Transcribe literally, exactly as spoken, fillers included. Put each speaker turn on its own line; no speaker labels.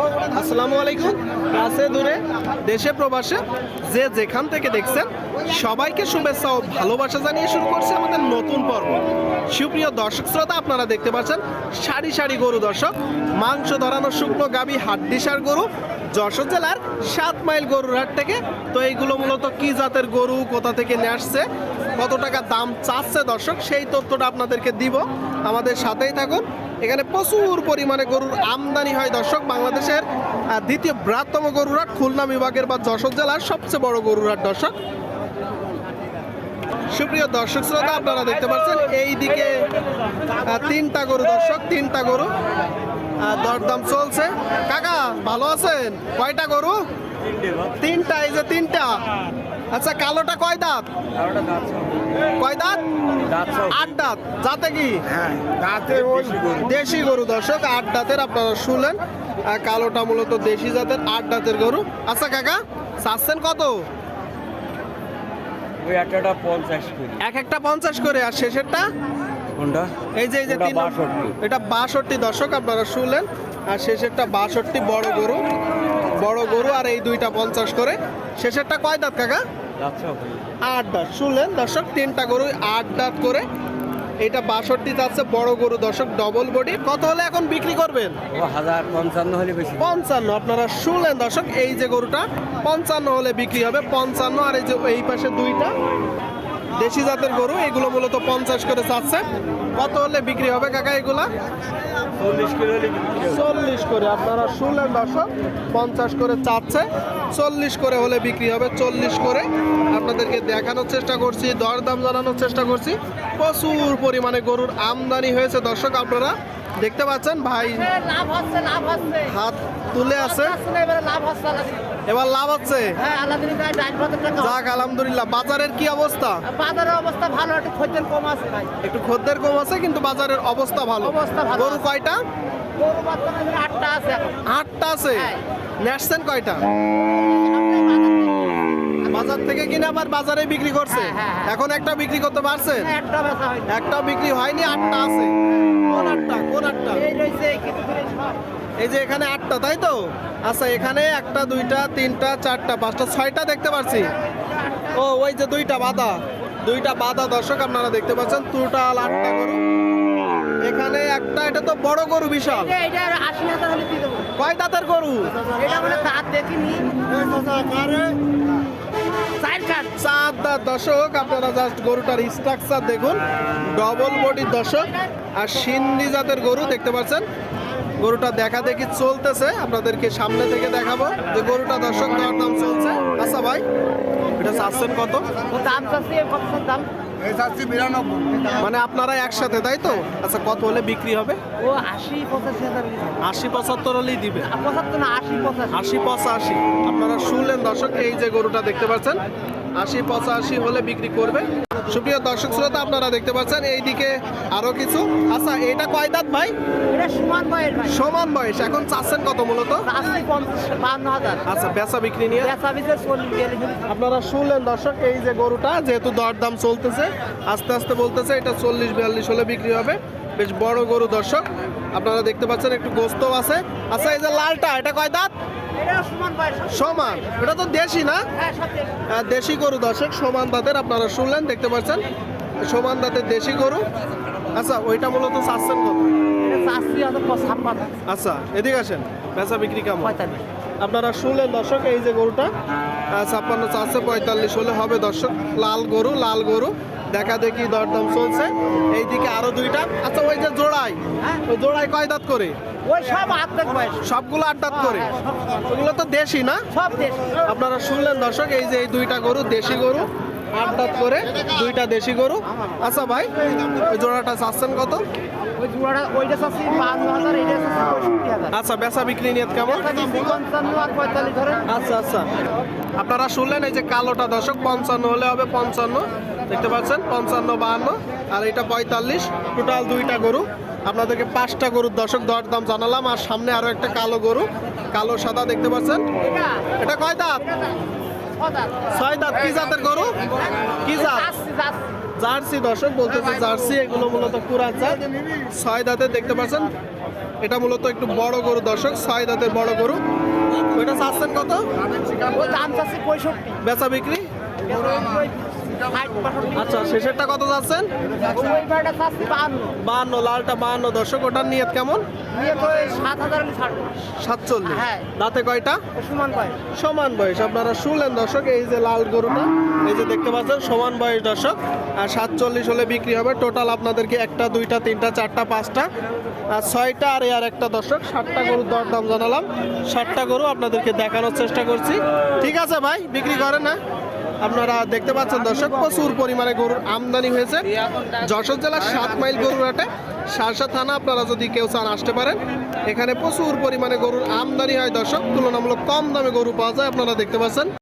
আসসালামু আলাইকুম। কাছে দূরে দেশে প্রবাসে যে যেখান থেকে দেখছেন সবাইকে শুভেচ্ছা ও ভালোবাসা জানিয়ে শুরু করছে আমাদের নতুন পর্ব। সুপ্রিয় দর্শক শ্রোতা, আপনারা দেখতে পাচ্ছেন সারি সারি গরু দর্শক, মাংস ধরানো শুকনো গাবি হাড্ডিসার গরু যশোর জেলার সাত মাইল গরুর হাট থেকে। তো এইগুলো মূলত কি জাতের গরু, কোথা থেকে নিয়ে আসছে, কত টাকা দাম চাচ্ছে দর্শক, সেই তথ্যটা আপনাদেরকে দিব। আমাদের সাথেই থাকুন। এখানে প্রচুর পরিমাণে গরুর আমদানি হয় দর্শক। বাংলাদেশের দ্বিতীয় বৃহত্তম গরুর হাট, খুলনা বিভাগের বা যশোর জেলার সবচেয়ে বড় গরুর হাট দর্শক। সুপ্রিয় দর্শক শ্রোতা, আপনারা দেখতে পাচ্ছেন এই দিকে তিনটা গরু দর্শক, তিনটা গরু দরদাম চলছে। কাকা ভালো আছেন? কয়টা গরু? তিনটা। এই যে তিনটা। আচ্ছা, কালোটা কয় দাঁত? কয় দাঁত? আট দাঁত। যাতে কি দেশি গরু দর্শক, আট দাঁতের। আপনারা শুনলেন, কালোটা মূলত দেশি জাতের আট দাঁতের গরু। আচ্ছা কাকা, চাচ্ছেন কত? এক একটা পঞ্চাশ করে। আর শেষেরটা এই যে এই যে এটা বাষট্টি দর্শক, আপনারা শুনলেন। আর শেষেরটা বাষট্টি, বড় গরু, বড় গরু। আর এই দুইটা পঞ্চাশ করে। শেষেরটা কয় দাঁত কাকা? আট দাঁত। শুনলেন দর্শক, তিনটা গরু আট দাঁত করে। এটা বাষট্টি যাচ্ছে, বড় গরু দর্শক, ডবল বডি। কত হলে এখন বিক্রি করবেন? পঞ্চান্ন। আপনারা শুনলেন দর্শক, এই যে গরুটা পঞ্চান্ন হলে বিক্রি হবে, পঞ্চান্ন। আর এই যে এই পাশে দুইটা দেশি জাতের গরু, এগুলো মূলত পঞ্চাশ করে চাচ্ছে। কত হলে বিক্রি হবে কাকা এগুলা? চল্লিশ করে। আপনারা শুনলেন দর্শক, পঞ্চাশ করে চাচ্ছে, চল্লিশ করে হলে বিক্রি হবে। চল্লিশ করে আপনাদেরকে দেখানোর চেষ্টা করছি, দরদাম জানানোর চেষ্টা করছি। প্রচুর পরিমাণে গরুর আমদানি হয়েছে দর্শক, আপনারা দেখতে পাচ্ছেন। ভাই হাত তুলে আছে, এবার লাভ হচ্ছে। যাক আলহামদুলিল্লাহ। বাজারের কি অবস্থা?
বাজারের অবস্থা ভালো, একটু খদ্দের কম আছে ভাই।
একটু খদ্দের কম আছে, কিন্তু বাজারের অবস্থা ভালো।
অবস্থা ভালো।
গরু কয়টা?
গরু বর্তমানে আটটা আছে।
আটটা আছে। নেসছেন কয়টা? বাজার থেকে কিনে আবার বাজারে বিক্রি করছে। এখন একটা বিক্রি করতে পারছেন?
একটা বেচা হয়নি।
একটা বিক্রি হয়নি, আটটা আছে। কোন আটটা? কোন আটটা?
এই রইছে এই কিছু দূরে সব।
এই যে এখানে আটটা, তাই তো? আচ্ছা, এখানে একটা, দুইটা, তিনটা, চারটা, পাঁচটা, ছয়টা দেখতে পাচ্ছি। ও ওই যে দুইটা বাঁধা, দুইটা বাঁধা দর্শক, আপনারা দেখতে পাচ্ছেন। টোটাল আটটা গরু। এখানে একটা, এটা তো বড় গরু, বিশাল।
এটা আশি হাজার হলে দিয়ে দেবো।
কয় দাঁতের গরু?
এটা মানে দাঁত দেখিনি।
চার দাঁত দর্শক। আপনারা জাস্ট গরুটার স্ট্রাকচার দেখুন, ডবল বডি দর্শক। আর সিন্ধি জাতের গরু দেখতে পাচ্ছেন। গরুটা দেখা দেখি চলতেছে, আপনাদেরকে সামনে থেকে দেখাবো যে গরুটা দর্শক দরদাম চলছে। আচ্ছা ভাই, এটা চাচ্ছেন কত?
দাম চাচ্ছি কত? দাম
মানে আপনারা একসাথে, তাই তো? আচ্ছা, কত হলে বিক্রি হবে?
ও আশি পঁচাশি হাজার।
আশি পঁচাত্তর হলেই দিবে।
পঁচাত্তর না, আশি পঁচাশি।
আশি পঁচাশি। আপনারা শুনলেন দর্শক, এই যে গরুটা দেখতে পাচ্ছেন, আশি পঁচাশি হলে বিক্রি করবে। সুপ্রিয় দর্শক শ্রোতা, আপনারা দেখতে পাচ্ছেন এইদিকে আরো কিছু। আচ্ছা, এটা কয় দাঁত ভাই?
এটা সমান বয়স ভাই।
সমান বয়স। এখন চাচ্ছেন কত মূলত?
চাচ্ছি পঞ্চাশ বান্ন হাজার।
আচ্ছা, বেচা বিক্রি নিয়ে
বেচা বিক্রি চল্লিশ বিয়াল্লিশ।
আপনারা শুনলেন দর্শক, এই যে গরুটা যেহেতু দরদাম চলতেছে, আস্তে আস্তে বলতেছে এটা চল্লিশ বিয়াল্লিশ হলে বিক্রি হবে। বেশ বড় গরু দর্শক, আপনারা দেখতে পাচ্ছেন, একটু গোস্ত আছে। আচ্ছা, এই যে লালটা, এটা কয় দাঁত? সমান। এটা তো দেশি না? হ্যাঁ, দেশি গরু দর্শক, সমান দাঁতের। আপনারা শুনলেন, দেখতে পাচ্ছেন, সমান দাঁতের দেশি গরু। আচ্ছা, ওইটা মূলত চাচ্ছেন কত? আচ্ছা, এদিকে আসেন। বেচা বিক্রি কেমন? আপনারা শুনলেন দর্শক, এই যে গরুটা ছাপ্পান্ন চাচ্ছে, পঁয়তাল্লিশ হলে হবে দর্শক। লাল গরু, লাল গরু দেখা দেখি দরদাম চলছে। এইদিকে আরো দুইটা। আচ্ছা, ওই যে জোড়াই, ওই জোড়াই কয় দাঁত করে?
ওই সব আট দাঁত বয়স।
সবগুলো আট দাঁত করে? ওগুলো তো দেশি না?
সব দেশি।
আপনারা শুনলেন দর্শক, এই যে এই দুইটা গরু দেশি গরু, আট দাঁত করে, দুইটা দেশি গরু। আচ্ছা ভাই, ওই জোড়াটা চাচ্ছেন কত?
ওই জোড়াটা ওইটা চাচ্ছি বান্ন হাজার, এইটা চাচ্ছি পঁয়ষট্টি হাজার।
আচ্ছা, বেচা বিক্রি নিয়ে কেমন?
পঞ্চান্ন আর পঁয়তাল্লিশ ধরে।
আচ্ছা আচ্ছা, আপনারা শুনলেন, এই যে কালোটা দর্শক পঞ্চান্ন হলে হবে, পঞ্চান্ন দেখতে পাচ্ছেন, পঞ্চান্ন বাহান্ন। আর এটা পঁয়তাল্লিশ। টোটাল দুইটা গরু। আপনাদেরকে পাঁচটা গরুর দর্শক দরদাম জানালাম। আর সামনে আরো একটা কালো গরু, কালো সাদা দেখতে পাচ্ছেন। এটা কয় দাঁত? ছয় দাঁত। কি জাতের গরু? কি জাত? জার্সি দর্শক বলতেছে, জার্সি। এগুলো মূলত কুরাত জাত, ছয় দাঁতে দেখতে পাচ্ছেন। এটা মূলত একটু বড় গরু দর্শক, ছয় দাঁতের বড় গরু। ওইটা চাচ্ছেন কত?
ও দাম চাচ্ছি পঁয়ষট্টি।
বেচা বিক্রি? আচ্ছা, শেষেরটা কত যাচ্ছেন?
ওই ভাড়াটা চাচ্ছি বাহান্ন।
বাহান্ন, লালটা বাহান্ন দর্শক। ওটার নিয়ত কেমন?
নিয়ে তো এই সাত হাজার আমি ছাড়বো।
সাতচল্লিশ।
হ্যাঁ।
দাঁতে কয়টা?
সমান পায়।
সমান বয়স। আপনারা শুনলেন দর্শক, এই যে লাল গরুটা, এই যে দেখতে পাচ্ছেন সমান বয়স দর্শক, আর সাতচল্লিশ হলে বিক্রি হবে। টোটাল আপনাদেরকে একটা, দুইটা, তিনটা, চারটা, পাঁচটা, আর ছয়টা, আর আর একটা দর্শক, সাতটা গরুর দরদাম জানালাম। সাতটা গরু আপনাদেরকে দেখানোর চেষ্টা করছি। ঠিক আছে ভাই, বিক্রি করেন না? আপনারা দেখতে পাচ্ছেন দর্শক, প্রচুর পরিমাণে গরুর আমদানি হয়েছে যশোর জেলার সাত মাইল গরুর হাটে, শার্শা থানা। আপনারা যদি কেউ চান আসতে পারেন। এখানে প্রচুর পরিমাণে গরুর আমদানি হয় দর্শক, তুলনামূলক কম দামে গরু পাওয়া যায়, আপনারা দেখতে পাচ্ছেন।